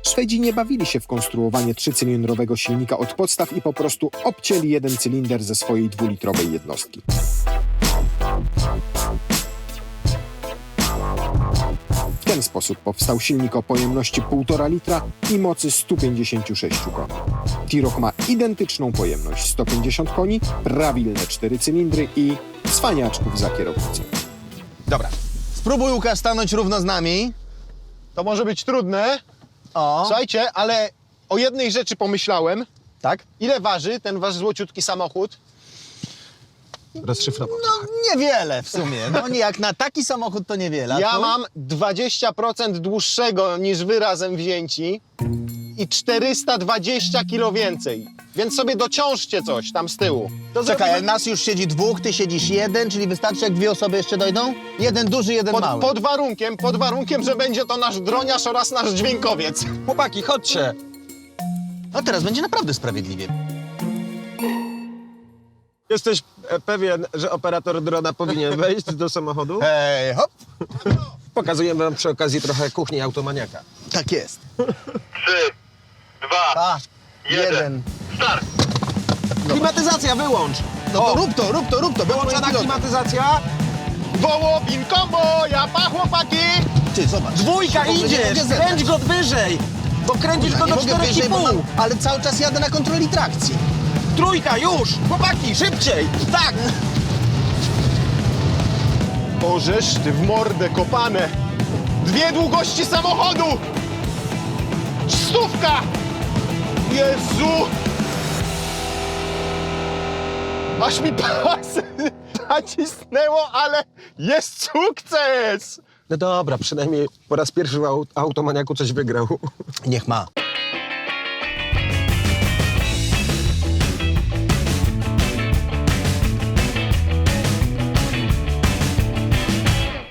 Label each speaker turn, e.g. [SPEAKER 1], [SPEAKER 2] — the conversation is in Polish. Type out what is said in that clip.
[SPEAKER 1] Szwedzi nie bawili się w konstruowanie trzycylindrowego silnika od podstaw i po prostu obcięli jeden cylinder ze swojej dwulitrowej jednostki. W ten sposób powstał silnik o pojemności 1,5 litra i mocy 156 koni. T-Roc ma identyczną pojemność 150 koni, prawilne 4 cylindry i cwaniaczków za kierownicą.
[SPEAKER 2] Dobra, spróbuj, Łukasz, stanąć równo z nami.
[SPEAKER 3] To może być trudne.
[SPEAKER 2] O,
[SPEAKER 3] Słuchajcie, ale o jednej rzeczy pomyślałem.
[SPEAKER 2] tak?
[SPEAKER 3] Ile waży ten wasz złociutki samochód? Rozszyfrował.
[SPEAKER 2] No niewiele w sumie. No nie, jak na taki samochód to niewiele. A
[SPEAKER 3] Ja
[SPEAKER 2] twój?
[SPEAKER 3] mam 20% dłuższego niż wy razem wzięci i 420 kilo więcej. Więc sobie dociążcie coś tam z tyłu. To
[SPEAKER 2] Czekaj, ale
[SPEAKER 3] zrobimy
[SPEAKER 2] nas już siedzi dwóch, ty siedzisz jeden, czyli wystarczy, jak dwie osoby jeszcze dojdą? Jeden duży, jeden mały.
[SPEAKER 3] pod warunkiem, że będzie to nasz droniarz oraz nasz dźwiękowiec.
[SPEAKER 4] Chłopaki, chodźcie.
[SPEAKER 2] No teraz będzie naprawdę sprawiedliwie.
[SPEAKER 4] Jesteś pewien, że operator drona powinien wejść do samochodu?
[SPEAKER 2] Hej, hop!
[SPEAKER 4] Pokazujemy wam przy okazji trochę kuchni automaniaka.
[SPEAKER 2] Tak jest.
[SPEAKER 5] 3, 2,
[SPEAKER 2] A, jeden.
[SPEAKER 5] start!
[SPEAKER 4] Klimatyzacja, wyłącz!
[SPEAKER 2] No to rób to, rób to, rób to.
[SPEAKER 4] Wyłączona klimatyzacja.
[SPEAKER 3] Wołopin combo, japa chłopaki!
[SPEAKER 2] Ty, zobacz.
[SPEAKER 4] Dwójka,
[SPEAKER 2] Nie
[SPEAKER 4] idziesz!
[SPEAKER 2] mogę zebrać.
[SPEAKER 4] Kręć go wyżej! Bo kręcisz go
[SPEAKER 2] Nie
[SPEAKER 4] do
[SPEAKER 2] mogę wyżej, bo
[SPEAKER 4] 4,5.
[SPEAKER 2] mam, ale cały czas jadę na kontroli trakcji.
[SPEAKER 4] Trójka, już! Chłopaki, szybciej! Tak!
[SPEAKER 3] Bożeż ty w mordę kopane! Dwie długości samochodu! 100! Jezu! Aż mi pas nacisnęło, ale jest sukces!
[SPEAKER 4] No dobra, przynajmniej po raz pierwszy w automaniaku coś wygrał.
[SPEAKER 2] Niech ma.